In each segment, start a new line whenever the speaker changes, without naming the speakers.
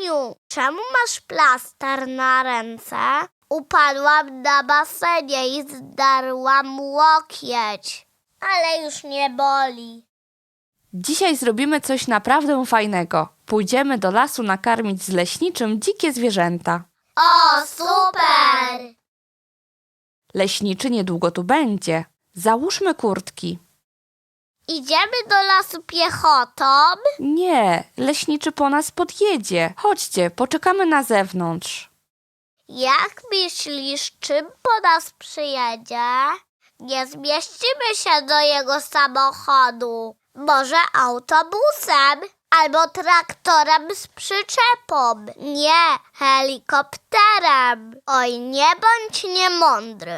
Aniu, czemu masz plaster na ręce? Upadłam na basenie i zdarłam łokieć, ale już nie boli.
Dzisiaj zrobimy coś naprawdę fajnego. Pójdziemy do lasu nakarmić z leśniczym dzikie zwierzęta.
O, super!
Leśniczy niedługo tu będzie. Załóżmy kurtki.
Idziemy do lasu piechotą?
Nie, leśniczy po nas podjedzie. Chodźcie, poczekamy na zewnątrz.
Jak myślisz, czym po nas przyjedzie? Nie zmieścimy się do jego samochodu. Może autobusem albo traktorem z przyczepą. Nie, helikopterem. Oj, nie bądź niemądry.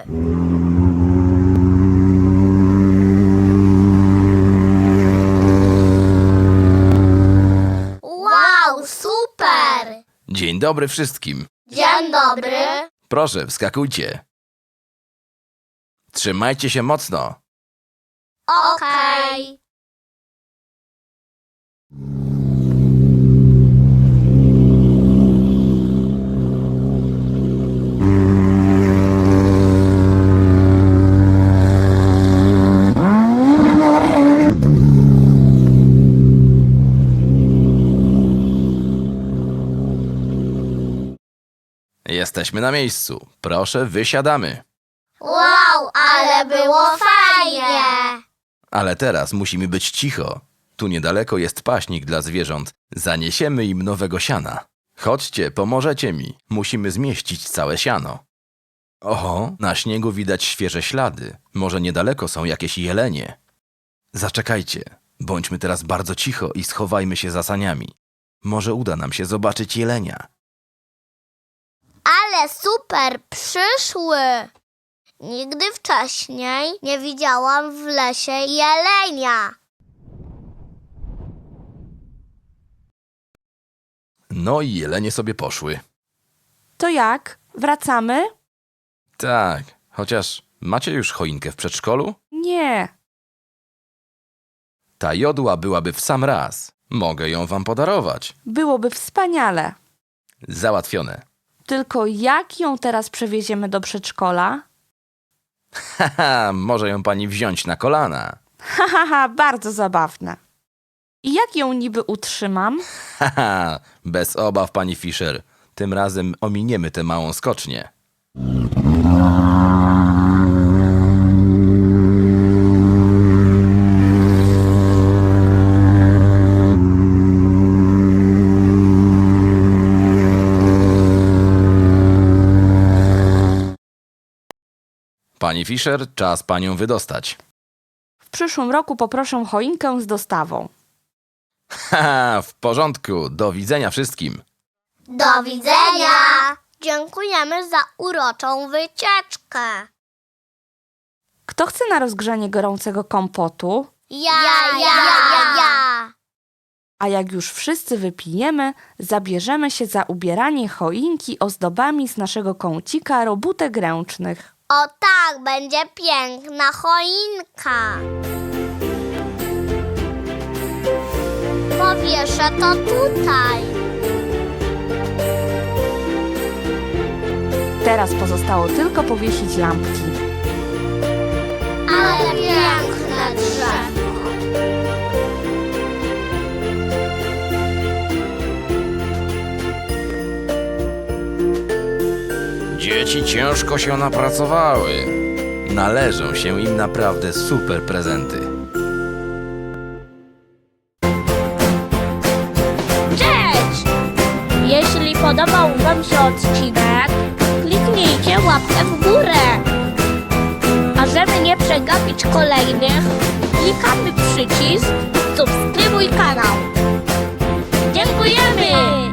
Wow, super!
Dzień dobry wszystkim.
Dzień dobry.
Proszę, wskakujcie. Trzymajcie się mocno.
Okej.
Jesteśmy na miejscu. Proszę, wysiadamy.
Wow, ale było fajnie.
Ale teraz musimy być cicho. Tu niedaleko jest paśnik dla zwierząt. Zaniesiemy im nowego siana. Chodźcie, pomożecie mi. Musimy zmieścić całe siano. Oho, na śniegu widać świeże ślady. Może niedaleko są jakieś jelenie. Zaczekajcie. Bądźmy teraz bardzo cicho i schowajmy się za saniami. Może uda nam się zobaczyć jelenia.
Ale super, przyszły. Nigdy wcześniej nie widziałam w lesie jelenia.
No i jelenie sobie poszły.
To jak? Wracamy?
Tak, chociaż macie już choinkę w przedszkolu?
Nie.
Ta jodła byłaby w sam raz. Mogę ją wam podarować.
Byłoby wspaniale.
Załatwione.
Tylko jak ją teraz przewieziemy do przedszkola?
Haha, może ją pani wziąć na kolana.
Haha, bardzo zabawne. I jak ją niby utrzymam?
Haha, bez obaw, pani Fischer. Tym razem ominiemy tę małą skocznię. Pani Fischer, czas panią wydostać.
W przyszłym roku poproszę choinkę z dostawą.
Haha, w porządku. Do widzenia wszystkim.
Do widzenia. Dziękujemy za uroczą wycieczkę.
Kto chce na rozgrzanie gorącego kompotu?
Ja.
A jak już wszyscy wypijemy, zabierzemy się za ubieranie choinki ozdobami z naszego kącika robótek ręcznych.
O tak, będzie piękna choinka. Powieszę to tutaj.
Teraz pozostało tylko powiesić lampki.
Ale piękne drzewo.
Dzieci ciężko się napracowały. Należą się im naprawdę super prezenty.
Cześć! Jeśli podobał wam się odcinek, kliknijcie łapkę w górę. A żeby nie przegapić kolejnych, klikamy przycisk subskrybuj kanał. Dziękujemy!